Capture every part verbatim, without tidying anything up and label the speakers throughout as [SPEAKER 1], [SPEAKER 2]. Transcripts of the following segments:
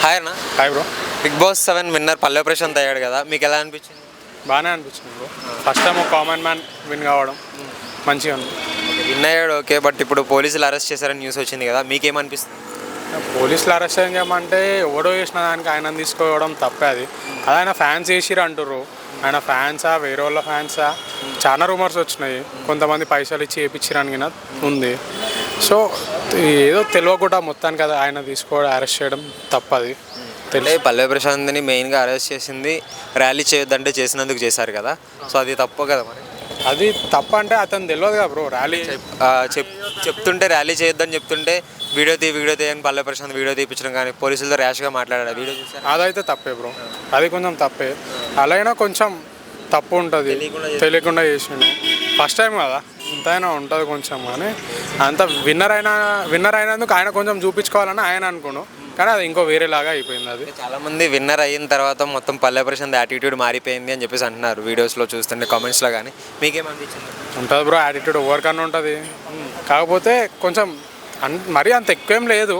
[SPEAKER 1] Hi అన్న.
[SPEAKER 2] Hi bro.
[SPEAKER 1] Big boss seven winner Pallavi Prashanth అయ్యాడు కదా, మీకు ఎలా అనిపించింది?
[SPEAKER 2] బాగానే అనిపించింది బ్రో. ఫస్ట్ టైం ఒక కామన్ మ్యాన్ విన్ కావడం మంచిగా ఉంది.
[SPEAKER 1] విన్ అయ్యాడు ఓకే, బట్ ఇప్పుడు పోలీసులు అరెస్ట్ చేశారని న్యూస్ వచ్చింది కదా, మీకేమనిపిస్తుంది?
[SPEAKER 2] పోలీసులు అరెస్ట్ చేయమంటే ఎవడో చేసిన దానికి ఆయన తీసుకోవడం తప్పే. అది అది ఆయన ఫ్యాన్స్ చేసిరు అంటుర్రు. ఆయన ఫ్యాన్సా వేరే వాళ్ళ ఫ్యాన్సా చాలా రూమర్స్ వచ్చినాయి. కొంతమంది పైసలు ఇచ్చి వేయించడానికి ఉంది. సో ఏదో తెలియకుండా మొత్తానికి కదా ఆయన తీసుకోవడం అరెస్ట్ చేయడం తప్పది.
[SPEAKER 1] అంటే పల్లవి ప్రశాంత్ని మెయిన్గా అరెస్ట్ చేసింది ర్యాలీ చేయొద్దంటే చేసినందుకు చేశారు కదా, సో అది తప్పు కదా మరి?
[SPEAKER 2] అది తప్ప అంటే అతను తెలియదు కదా బ్రో. ర్యాలీ
[SPEAKER 1] చెప్ చెప్తుంటే ర్యాలీ చేయొద్దని చెప్తుంటే వీడియో తీ వీడియో తీయని పల్లవి ప్రశాంత్ వీడియో తీపించడం కానీ పోలీసులతో ర్యాష్గా మాట్లాడాడు వీడియో చూసారు.
[SPEAKER 2] అదైతే తప్పే బ్రో, అది కొంచెం తప్పే. అలా అయినా కొంచెం తప్పు ఉంటుంది, తెలియకుండా చేసిండు. ఫస్ట్ టైం కదా, ఎంతైనా ఉంటుంది కొంచెం. కానీ అంత విన్నర్ అయినా విన్నర్ అయినందుకు ఆయన కొంచెం చూపించుకోవాలని ఆయన అనుకోను, కానీ అది ఇంకో వేరేలాగా అయిపోయింది. అది
[SPEAKER 1] చాలామంది విన్నర్ అయిన తర్వాత మొత్తం పల్లవి ప్రశాంత్ యాటిట్యూడ్ మారిపోయింది అని చెప్పేసి అంటున్నారు వీడియోస్లో చూస్తుంటే, కామెంట్స్లో. కానీ మీకేమనిపించింది?
[SPEAKER 2] ఉంటుంది బ్రో, యాటిట్యూడ్ ఎవరికన్నా ఉంటుంది. కాకపోతే కొంచెం అన్ మరీ అంత ఎక్కువేం లేదు,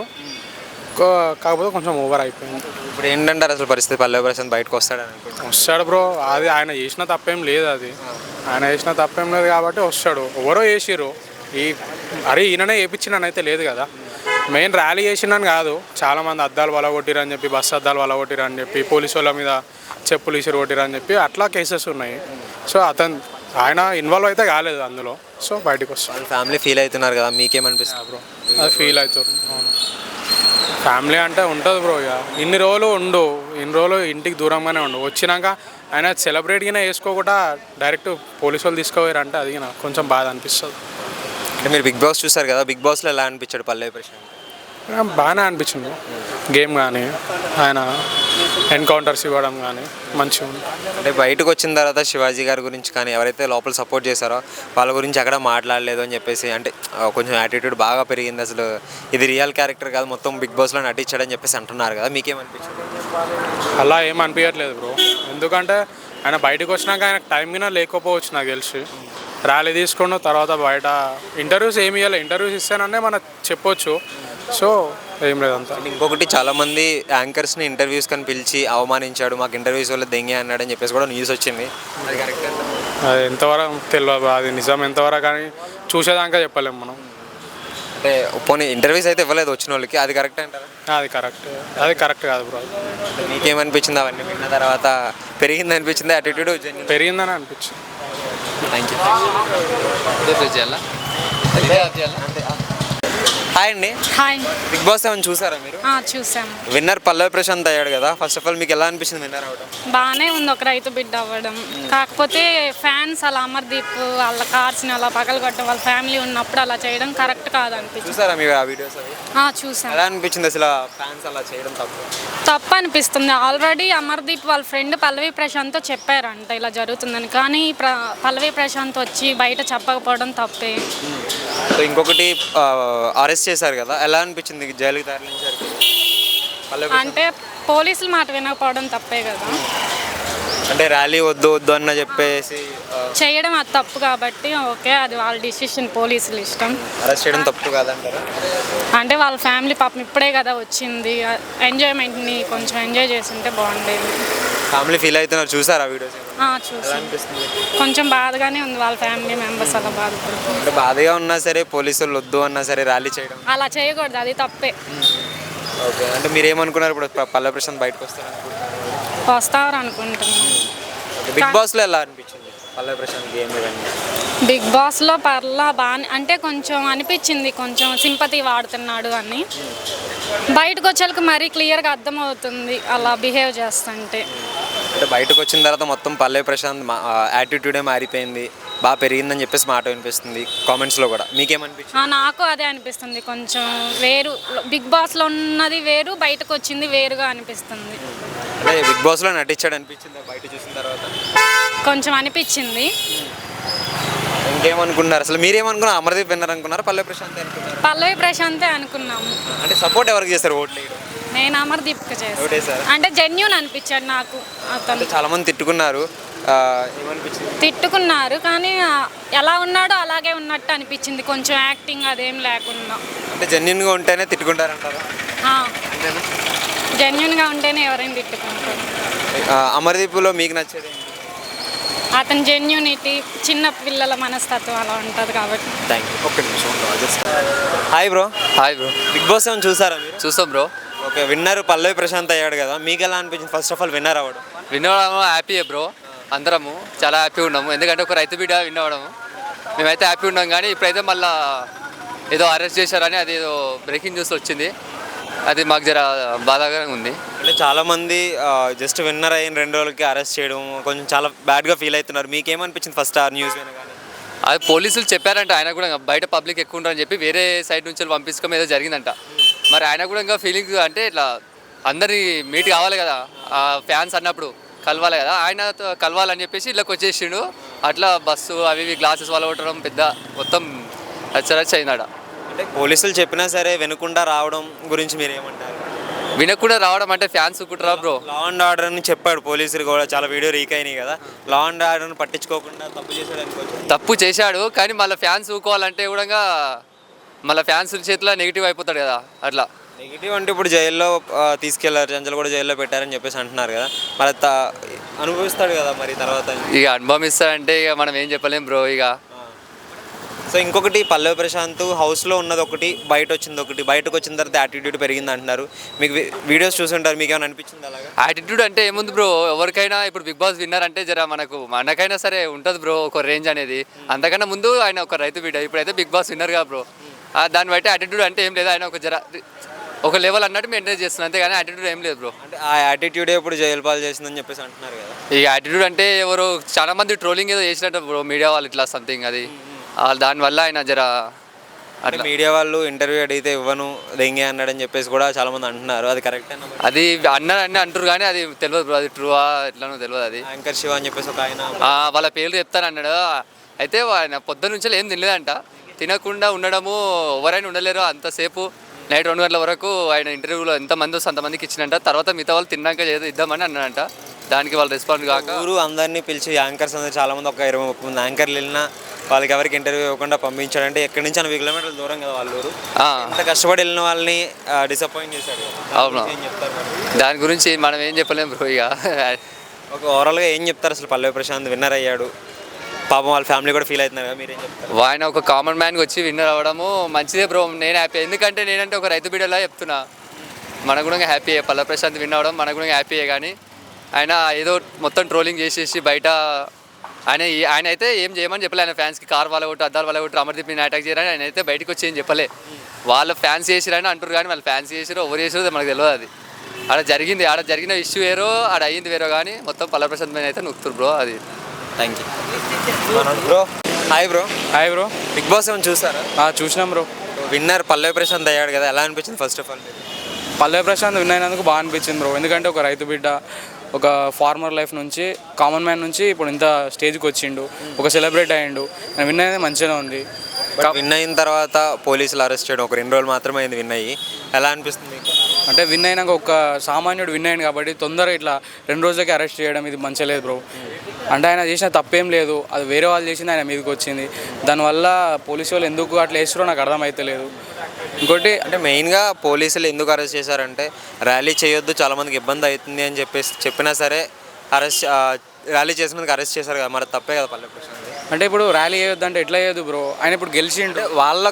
[SPEAKER 2] కాకపోతే కొంచెం ఓవర్ అయిపోయింది.
[SPEAKER 1] ఇప్పుడు ఏంటంటారు అసలు పరిస్థితి? పల్లవి ప్రశాంత్ బయటకు వస్తాడని అనుకుంటున్నాను.
[SPEAKER 2] వస్తాడు బ్రో, అది ఆయన చేసిన తప్పేం లేదు. అది ఆయన చేసిన తప్పేం లేదు కాబట్టి వస్తాడు. ఎవరో చేసిర్రు, ఈ అరే ఈయననే వేయించినని అయితే లేదు కదా. మెయిన్ ర్యాలీ చేసినని కాదు, చాలామంది అద్దాలు వలగొట్టిరని చెప్పి, బస్సు అద్దాలు వలగొట్టిరని చెప్పి, పోలీసు వాళ్ళ మీద చెప్పులు ఇసురు కొట్టిరని చెప్పి అట్లా కేసెస్ ఉన్నాయి. సో అతను ఆయన ఇన్వాల్వ్ అయితే కాలేదు అందులో, సో బయటకు వస్తాడు.
[SPEAKER 1] ఫ్యామిలీ ఫీల్ అవుతున్నారు కదా, మీకేమనిపిస్తుంది
[SPEAKER 2] బ్రో? అది ఫీల్ అవుతుంది. అవును, ఫ్యామిలీ అంటే ఉంటుంది బ్రో. ఇక ఇన్ని రోజులు ఉండు, ఇన్ని రోజులు ఇంటికి దూరంగానే ఉండు, వచ్చినాక ఆయన సెలబ్రేట్గానే వేసుకోకుండా డైరెక్ట్ పోలీసు వాళ్ళు తీసుకోవారంటే అది నాకు కొంచెం బాధ అనిపిస్తుంది.
[SPEAKER 1] అంటే మీరు బిగ్ బాస్ చూసారు కదా, బిగ్ బాస్లో ఎలా అనిపించాడు పల్లవి ప్రశాంత్?
[SPEAKER 2] బాగానే అనిపించింది గేమ్ కానీ, ఆయన ఎన్కౌంటర్స్ ఇవ్వడం కానీ మంచిగా ఉంది.
[SPEAKER 1] అంటే బయటకు వచ్చిన తర్వాత శివాజీ గారి గురించి కానీ ఎవరైతే లోపల సపోర్ట్ చేశారో వాళ్ళ గురించి ఎక్కడ మాట్లాడలేదు అని చెప్పేసి, అంటే కొంచెం యాటిట్యూడ్ బాగా పెరిగింది, అసలు ఇది రియల్ క్యారెక్టర్ కాదు మొత్తం బిగ్ బాస్లో నటించాడని చెప్పేసి అంటున్నారు కదా, మీకేమనిపించింది?
[SPEAKER 2] అలా ఏం అనిపించట్లేదు బ్రో, ఎందుకంటే ఆయన బయటకు వచ్చినాక ఆయనకు టైం మీద లేకపోవచ్చు నాకు తెలిసి. ర్యాలీ తీసుకున్న తర్వాత బయట ఇంటర్వ్యూస్ ఏమి ఇవ్వాలి, ఇంటర్వ్యూస్ ఇస్తాననే మనకు చెప్పొచ్చు. సో ఏం లేదంతా.
[SPEAKER 1] ఇంకొకటి చాలామంది యాంకర్స్ని ఇంటర్వ్యూస్ కానీ పిలిచి అవమానించాడు, మాకు ఇంటర్వ్యూస్ వల్ల దెంగే అన్నాడని చెప్పేసి కూడా న్యూస్ వచ్చింది. అది కరెక్ట్?
[SPEAKER 2] అది ఎంతవరకు తెలియదు, అది నిజం ఎంతవరకు కానీ చూసేదాకా చెప్పలేము మనం.
[SPEAKER 1] అంటే పోనీ ఇంటర్వ్యూస్ అయితే ఇవ్వలేదు వచ్చిన వాళ్ళకి, అది కరెక్ట్ అంటారా?
[SPEAKER 2] అది కరెక్ట్, అది కరెక్ట్ కాదు బ్రో.
[SPEAKER 1] మీకేమనిపించింది అవన్నీ విన్న తర్వాత? పెరిగింది అనిపించింది యాటిట్యూడ్?
[SPEAKER 2] పెరిగిందని అనిపించింది.
[SPEAKER 1] Thank you. హాయ్ అండి.
[SPEAKER 3] హాయ్.
[SPEAKER 1] బిగ్ బాస్ ఏమైనా చూసారా మీరు?
[SPEAKER 3] చూసాము.
[SPEAKER 1] విన్నర్ పల్లవి ప్రశాంత్ అయ్యాడు కదా, ఫస్ట్ ఆఫ్ ఆల్ మీకు ఎలా అనిపించింది విన్నర్ అవ్వడం?
[SPEAKER 3] బాగానే ఉంది, ఒక రైతు బిడ్డ అవ్వడం. కాకపోతే ఫ్యాన్స్ అలా అమర్దీప్ వాళ్ళ కార్స్ని అలా పగలగొట్టడం, వాళ్ళ ఫ్యామిలీ ఉన్నప్పుడు అలా చేయడం కరెక్ట్ కాదు అనిపించింది.
[SPEAKER 1] చూసారా మీరు ఆ వీడియోస్ అవి?
[SPEAKER 3] చూసాను.
[SPEAKER 1] ఎలా అనిపించింది అసలు ఫ్యాన్స్ అలా చేయడం తప్పు?
[SPEAKER 3] తప్పు అనిపిస్తుంది. ఆల్రెడీ అమర్దీప్ వాళ్ళ ఫ్రెండ్ పల్లవి ప్రశాంత్తో చెప్పారంట ఇలా జరుగుతుందని, కానీ ప్ర పల్లవి ప్రశాంత్ వచ్చి బయట చెప్పకపోవడం తప్పే.
[SPEAKER 1] ఇంకొకటి అరెస్ట్ చేశారు కదా, ఎలా అనిపించింది జైలుకి తరలించారు?
[SPEAKER 3] అంటే పోలీసుల మాట వినకపోవడం తప్పే కదా.
[SPEAKER 1] అంటే ర్యాలీ వద్దు వద్దు అన్న చెప్పేసి
[SPEAKER 3] చేయడం అది తప్పు కాబట్టి ఓకే, అది వాళ్ళ డిసిషన్, పోలీసులు ఇష్టం.
[SPEAKER 1] అరెస్ట్ చేయడం తప్పు కాదంటారా?
[SPEAKER 3] అంటే వాళ్ళ ఫ్యామిలీ పాపం ఇప్పుడే కదా వచ్చింది, ఎంజాయ్మెంట్ని కొంచెం ఎంజాయ్ చేస్తుంటే బాగుండేది.
[SPEAKER 1] ఫ్యామిలీ ఫీల్ అవుతున్నారు, చూసారా వీడియోస్?
[SPEAKER 3] చూసాను. కొంచెం బాధగానే ఉంది, వాళ్ళ ఫ్యామిలీ మెంబర్స్ అలా బాధపడుతుంది.
[SPEAKER 1] అంటే బాధగా ఉన్నా సరే పోలీసులు వద్దు అన్నా సరే ర్యాలీ చేయడం
[SPEAKER 3] అలా చేయకూడదు, అది తప్పే.
[SPEAKER 1] ఓకే, అంటే మీరు ఏమనుకున్నారు ఇప్పుడు పల్లవి ప్రశాంత్ బయటకు వస్తారు
[SPEAKER 3] వస్తారు అనుకుంటున్నాను.
[SPEAKER 1] బిగ్ బాస్లో ఎలా అనిపించింది పల్లవి ప్రశాంత్ గేమ్ ఇవన్నీ?
[SPEAKER 3] బిగ్ బాస్లో పర్లా బాగా, అంటే కొంచెం అనిపించింది కొంచెం సింపతి వాడుతున్నాడు అని. బయటకు వచ్చేలకు మరీ క్లియర్గా అర్థమవుతుంది అలా బిహేవ్ చేస్తుంటే.
[SPEAKER 1] అంటే బయటకు వచ్చిన తర్వాత మొత్తం పల్లవి ప్రశాంత్ యాటిట్యూడే మారిపోయింది, బాగా పెరిగిందని చెప్పేసి మాట వినిపిస్తుంది కామెంట్స్లో కూడా, మీకేమనిపించింది?
[SPEAKER 3] నాకు అదే అనిపిస్తుంది, కొంచెం వేరు, బిగ్ బాస్లో ఉన్నది వేరు, బయటకు వచ్చింది వేరుగా అనిపిస్తుంది.
[SPEAKER 1] అంటే బిగ్ బాస్లో నటించాడు అనిపించింది బయట చూసిన తర్వాత?
[SPEAKER 3] కొంచెం అనిపించింది.
[SPEAKER 1] ఇంకేమనుకున్నారు అసలు? మీరేమనుకున్నారు? అమర్దీప్ విన్నర్ అనుకున్నారా, పల్లవి ప్రశాంత్ అనుకున్నారు?
[SPEAKER 3] పల్లవి ప్రశాంతే అనుకున్నాము.
[SPEAKER 1] అంటే సపోర్ట్ ఎవరికి చేస్తారు ఓట్లు?
[SPEAKER 3] నేను అమర్దీప్కి చేస్తాను, అంటే జెన్యూన్ అనిపించాడు నాకు అతను.
[SPEAKER 1] చాలా మంది తిట్టుకున్నారు,
[SPEAKER 3] తిట్టుకున్నారు కానీ ఎలా ఉన్నాడో అలాగే ఉన్నట్టు అనిపించింది, కొంచెం యాక్టింగ్ అదేం లేకుండా.
[SPEAKER 1] అంటే జెన్యూన్గా ఉంటేనే తిట్టుకుంటారంటారా?
[SPEAKER 3] జెన్యున్గా ఉంటేనే ఎవరైనా తిట్టుకుంటారు.
[SPEAKER 1] ఆ, అమర్దీప్లో మీకు నచ్చేది ఏంటి?
[SPEAKER 3] అతని జెన్యూనిటీ, చిన్న పిల్లల మనస్తత్వం అలా ఉంటుంది కాబట్టి.
[SPEAKER 1] Thank you. ఒక్క నిమిషం just. Hi bro.
[SPEAKER 4] Hi bro,
[SPEAKER 1] big boss ఏమైనా చూసారా మీరు?
[SPEAKER 4] చూస్తాం bro.
[SPEAKER 1] Okay, winner Pallavi Prashanth అయ్యాడు కదా, మీకు ఎలా అనిపించింది ఫస్ట్ ఆఫ్ ఆల్ విన్నర్ అవ్వడం?
[SPEAKER 4] విన్ అవ్వడం హ్యాపీయే బ్రో. అందరము చాలా హ్యాపీగా ఉన్నాము, ఎందుకంటే ఒక రైతు బిడ్డ విన్ అవ్వడము మేమైతే హ్యాపీ ఉన్నాం. కానీ ఇప్పుడైతే మళ్ళీ ఏదో అరెస్ట్ చేశారని అది ఏదో బ్రేకింగ్ న్యూస్ వచ్చింది, అది మాకు జర బాధాగా ఉంది.
[SPEAKER 1] అంటే చాలామంది జస్ట్ విన్నర్ అయిన రెండు రోజులకి అరెస్ట్ చేయడం కొంచెం చాలా బ్యాడ్గా ఫీల్ అవుతున్నారు. మీకేమనిపించింది ఫస్ట్ ఆ న్యూస్ వినగానే?
[SPEAKER 4] అది పోలీసులు చెప్పారంట, ఆయన కూడా బయట పబ్లిక్ ఎక్కువ ఉంటారని చెప్పి వేరే సైడ్ నుంచి పంపించడం ఏదో జరిగిందంట. మరి ఆయన కూడా ఇంకా ఫీలింగ్ అంటే ఇట్లా అందరి మీట్ కావాలి కదా, ఆ ఫ్యాన్స్ అన్నప్పుడు కలవాలి కదా, ఆయన కలవాలని చెప్పేసి ఇళ్ళకి వచ్చేసిండు. అట్లా బస్సు అవి ఇవి గ్లాసెస్ వల్ల కొట్టడం పెద్ద మొత్తం రచ్చరచ్చ అయిందట.
[SPEAKER 1] అంటే పోలీసులు చెప్పినా సరే వినకుండా రావడం గురించి మీరు ఏమంటారు?
[SPEAKER 4] వినకుండా రావడం అంటే ఫ్యాన్స్ కుట్రా బ్రో.
[SPEAKER 1] లా అండ్ ఆర్డర్ అని చెప్పాడు పోలీసులు కూడా, చాలా వీడియో రీక్ అయినాయి కదా, లా అండ్ ఆర్డర్ని పట్టించుకోకుండా తప్పు చేశాడు అనుకోవచ్చు.
[SPEAKER 4] తప్పు చేశాడు కానీ మళ్ళీ ఫ్యాన్స్ ఊకోవాలంటే కూడా మళ్ళీ ఫ్యాన్స్ చేతిలో నెగిటివ్ అయిపోతాడు కదా. అట్లా
[SPEAKER 1] నెగిటివ్ అంటే ఇప్పుడు జైల్లో ఆ, తీసుకెళ్లారు, చంచలు కూడా జైల్లో పెట్టారని చెప్పేసి అంటున్నారు కదా, మరి త- అనుభవిస్తాడు కదా మరి తర్వాత.
[SPEAKER 4] ఇక అనుభవం ఇస్తారంటే ఇక మనం ఏం చెప్పలేం బ్రో. ఇక
[SPEAKER 1] సో ఇంకొకటి పల్లవి ప్రశాంత్ హౌస్లో ఉన్నది ఒకటి, బయట వచ్చింది ఒకటి. బయటకు వచ్చిన తర్వాత యాటిట్యూడ్ పెరిగింది అంటున్నారు. మీకు వి- వీడియోస్ చూసుంటారు, మీకు ఏమైనా అనిపించింది అలాగా?
[SPEAKER 4] యాటిట్యూడ్ అంటే ఏముంది బ్రో, ఎవరికైనా ఇప్పుడు బిగ్ బాస్ విన్నర్ అంటే జర మనకు మనకైనా సరే ఉంటుంది బ్రో ఒక రేంజ్ అనేది. అంతకన్నా ముందు ఆయన ఒక రైతు బిడ్డ, ఇప్పుడైతే బిగ్ బాస్ విన్నర్ గా బ్రో. ఆ, దాన్ని బట్టి యాటిట్యూడ్ అంటే ఏం లేదు, ఆయన ఒక జర ఒక లెవెల్ అన్నట్టు మెయింటైన్ చేస్తున్నాను, అంతేగాని యాటిట్యూడ్ ఏం లేదు బ్రో.
[SPEAKER 1] అంటే ఆ యాటిట్యూడే ఇప్పుడు జైలు పాలు చేసిందని చెప్పేసి అంటున్నారు కదా.
[SPEAKER 4] ఈ యాటిట్యూడ్ అంటే ఎవరు చాలా మంది ట్రోలింగ్ ఏదో చేసినట్టు బ్రో, మీడియా వాళ్ళు ఇట్లా సంథింగ్ అది ఆ, దానివల్ల ఆయన జర
[SPEAKER 1] అంటే
[SPEAKER 4] అట్లా
[SPEAKER 1] మీడియా వాళ్ళు ఇంటర్వ్యూ అడిగితే ఇవ్వను దెంగే అన్నాడని చెప్పేసి కూడా చాలా మంది అంటున్నారు, అది కరెక్ట్ అన్న?
[SPEAKER 4] అది అన్నారు అని అంటారు కానీ అది తెలియదు బ్రో, అది ట్రూవా ఎట్లానో తెలియదు. అది
[SPEAKER 1] యాంకర్ శివ అని చెప్పేసి ఒక ఆయన
[SPEAKER 4] ఆ, వాళ్ళ పేర్లు చెప్తాను అన్నాడు. అయితే ఆయన పొద్దున్న నుంచి ఏం తినలేదంట, తినకుండా ఉండడము ఎవరైనా ఉండలేరు అంతసేపు. నైట్ రెండు గంటల వరకు ఆయన ఇంటర్వ్యూలో ఎంతమంది వస్తే అంతమందికి ఇచ్చినంట. తర్వాత మిగతా వాళ్ళు తిన్నాక ఏదో ఇద్దామని అన్నాడంట. దానికి వాళ్ళు రెస్పాండ్ కాక
[SPEAKER 1] ఊరు అందరినీ పిలిచి యాంకర్స్ అందరూ చాలా మంది, ఒక ఇరవై ముప్పై మంది యాంకర్లు వెళ్ళినా వాళ్ళకి ఎవరికి ఇంటర్వ్యూ ఇవ్వకుండా పంపించాడంటే ఎక్కడి నుంచి ఎనభై కిలోమీటర్ల దూరం కదా వాళ్ళ ఊరు.
[SPEAKER 4] ఆ,
[SPEAKER 1] అంత కష్టపడి వెళ్ళిన వాళ్ళని డిసప్పాయింట్ చేశాడు.
[SPEAKER 4] అవును.
[SPEAKER 1] ఏం చెప్తారు మరి?
[SPEAKER 4] దాని గురించి మనం ఏం చెప్పలేం బ్రో. ఇక
[SPEAKER 1] ఒక ఓవరాల్గా ఏం చెప్తారు అసలు? పల్లవి ప్రశాంత్ విన్నర్ అయ్యాడు, పాపం వాళ్ళ ఫ్యామిలీ కూడా ఫీల్ అవుతున్నారు కదా, మీరేం చెప్తారు?
[SPEAKER 4] ఆయన ఒక కామన్ మ్యాన్కి వచ్చి విన్నర్ అవ్వడము మంచిదే బ్రో. నేను హ్యాపీ, ఎందుకంటే నేనంటే ఒక రైతు బిడ్డలా చెప్తున్నా. మనకు కూడా హ్యాపీయే పల్లవి ప్రశాంత్ విన్ అవ్వడం, మనకు కూడా హ్యాపీయే. కానీ ఆయన ఏదో మొత్తం ట్రోలింగ్ చేసేసి బయట ఆయన ఆయన అయితే ఏం చేయమని చెప్పలే. ఆయన ఫ్యాన్స్కి కార్ వాళ్ళ కొట్టు అద్దాలు వాళ్ళ కొట్టు అమర్దీప్ని అటాక్ చేయరని ఆయన అయితే బయటకు వచ్చి ఏం చెప్పలే. వాళ్ళ ఫ్యాన్స్ చేసిరని అంటారు కానీ వాళ్ళు ఫ్యాన్స్ చేసిరో ఎవరు చేసిరో మనకు తెలియదు. అది ఆడ జరిగింది, ఆడ జరిగిన ఇష్యూ వేరో ఆడ అయ్యింది వేరో, కానీ మొత్తం పల్లవి ప్రశాంత్ మీద అయితే నొక్కుతారు బ్రో. అది
[SPEAKER 1] thank you bro. Hi bro.
[SPEAKER 2] Hi bro.
[SPEAKER 1] Big boss ఏమైనా చూసారా?
[SPEAKER 2] చూసినాం బ్రో.
[SPEAKER 1] విన్నర్ పల్లవి ప్రశాంత్ అయ్యాడు కదా, ఎలా అనిపించింది first of all?
[SPEAKER 2] Pallavi Prashanth win అయినందుకు బాగా అనిపించింది బ్రో, ఎందుకంటే ఒక రైతు బిడ్డ, ఒక ఫార్మర్ లైఫ్ నుంచి కామన్ మ్యాన్ నుంచి ఇప్పుడు ఇంత స్టేజ్కి వచ్చిండు, ఒక సెలబ్రేట్ అయ్యిండు. విన్ అనేది మంచిగానే ఉంది.
[SPEAKER 1] విన్ అయిన తర్వాత పోలీసులు అరెస్ట్ చేయడం ఒక రెండు రోజులు మాత్రమే అయింది విన్ అయ్యి, ఎలా అనిపిస్తుంది మీకు?
[SPEAKER 2] అంటే విన్ అయినాక ఒక సామాన్యుడు విన్ అయ్యింది కాబట్టి తొందరగా ఇట్లా రెండు రోజులకి అరెస్ట్ చేయడం ఇది మంచిగా లేదు బ్రో. అంటే ఆయన చేసిన తప్పేం లేదు, అది వేరే వాళ్ళు చేసింది ఆయన మీదకి వచ్చింది. దానివల్ల పోలీసు వాళ్ళు ఎందుకు అట్లా వేస్తారో నాకు అర్థమైతలేదు. ఇంకోటి
[SPEAKER 1] అంటే మెయిన్గా పోలీసులు ఎందుకు అరెస్ట్ చేశారంటే, ర్యాలీ చేయొద్దు చాలామందికి ఇబ్బంది అవుతుంది అని చెప్పేసి చెప్పినా సరే అరెస్ట్ ర్యాలీ చేసినందుకు అరెస్ట్ చేశారు కదా, మరి తప్పే కదా పల్లవి ప్రశాంత్?
[SPEAKER 2] అంటే ఇప్పుడు ర్యాలీ చేయొద్దు అంటే ఎట్లా చేయొద్దు బ్రో, ఆయన ఇప్పుడు గెలిచిండు.
[SPEAKER 1] వాళ్ళ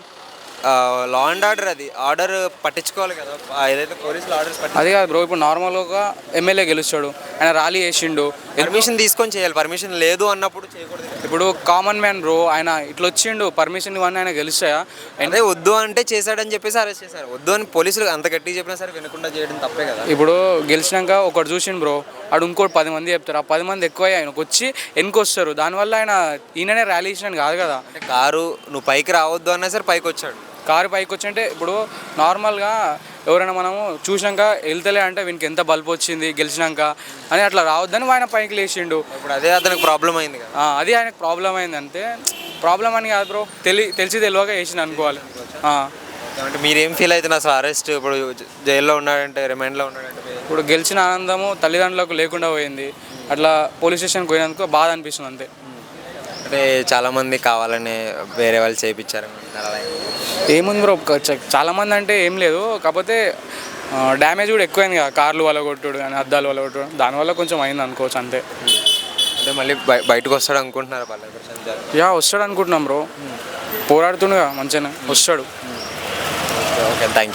[SPEAKER 1] లా అండ్ ఆర్డర్, అది ఆర్డర్ పట్టించుకోవాలి కదా, ఏదైతే పోలీసులు ఆర్డర్స్ పట్టి
[SPEAKER 2] అది కాదు బ్రో, ఇప్పుడు నార్మల్గా ఎమ్మెల్యే గెలుస్తాడు, ఆయన ర్యాలీ చేసిండు,
[SPEAKER 1] పర్మిషన్ తీసుకొని చేయాలి. పర్మిషన్ లేదు అన్నప్పుడు చేయకూడదు.
[SPEAKER 2] ఇప్పుడు కామన్ మ్యాన్ బ్రో, ఆయన ఇట్లా వచ్చిండు పర్మిషన్ ఇవన్నీ ఆయన గెలుస్తాయా?
[SPEAKER 1] అదే వద్దు అంటే చేశాడని చెప్పేసి అరెస్ట్ చేశారు. వద్దు అని పోలీసులు అంత గట్టిగా చెప్పినా సరే వినకుండా చేయడం తప్పే కదా.
[SPEAKER 2] ఇప్పుడు గెలిచినాక ఒకటి చూసిండు బ్రో, ఆడు ఇంకోటి పది మంది చెప్తారు, ఆ పది మంది ఎక్కువ ఆయనకు వచ్చి వెనుకొస్తారు. దానివల్ల ఆయన ఈయననే ర్యాలీ చేసినాను కాదు కదా.
[SPEAKER 1] అంటే కారు నువ్వు పైకి రావద్దు అన్నా సరే పైకి వచ్చాడు.
[SPEAKER 2] కారు పైకి వచ్చి అంటే ఇప్పుడు నార్మల్గా ఎవరైనా మనము చూసినాక వెళ్తలే అంటే వీనికి ఎంత బల్బు వచ్చింది గెలిచినాక అని అట్లా రావద్దని ఆయన పైకి లేచిండు.
[SPEAKER 1] ఇప్పుడు అదే అతనికి ప్రాబ్లం అయింది కదా.
[SPEAKER 2] ఆ, అది ఆయనకు ప్రాబ్లం అయింది అంతే. ప్రాబ్లం అని కాదు బ్రో, తెలి తెలిసి తెలియక వేసిండు అనుకోవాలి. ఆ.
[SPEAKER 1] అంటే మీరేం ఫీల్ అవుతున్నారు అసలు? అరెస్ట్ ఇప్పుడు జైల్లో ఉన్నాడంటే, రిమైండ్లో ఉన్నాడంటే మీరు-
[SPEAKER 2] ఇప్పుడు గెలిచిన ఆనందము తల్లిదండ్రులకు లేకుండా పోయింది. అట్లా పోలీస్ స్టేషన్కి పోయినందుకు బాధ అనిపిస్తుంది అంతే.
[SPEAKER 1] అంటే చాలామంది కావాలని వేరే వాళ్ళు చేయించారు.
[SPEAKER 2] ఏముంది బ్రో, చాలామంది అంటే ఏం లేదు, కాకపోతే డ్యామేజ్ కూడా ఎక్కువైంది కదా, కార్లు వల్ల కొట్టుడు కానీ అద్దాలు వల్ల కొట్టుడు, దానివల్ల కొంచెం అయింది అనుకోవచ్చు అంతే.
[SPEAKER 1] అంటే మళ్ళీ బయ- బయటకు వస్తాడు అనుకుంటున్నారు పల్లవి ప్రశాంత్ గారు.
[SPEAKER 2] యా వస్తాడు అనుకుంటున్నాం బ్రో, పోరాడుతుండగా మంచిగానే వస్తాడు.
[SPEAKER 1] Okay thank you.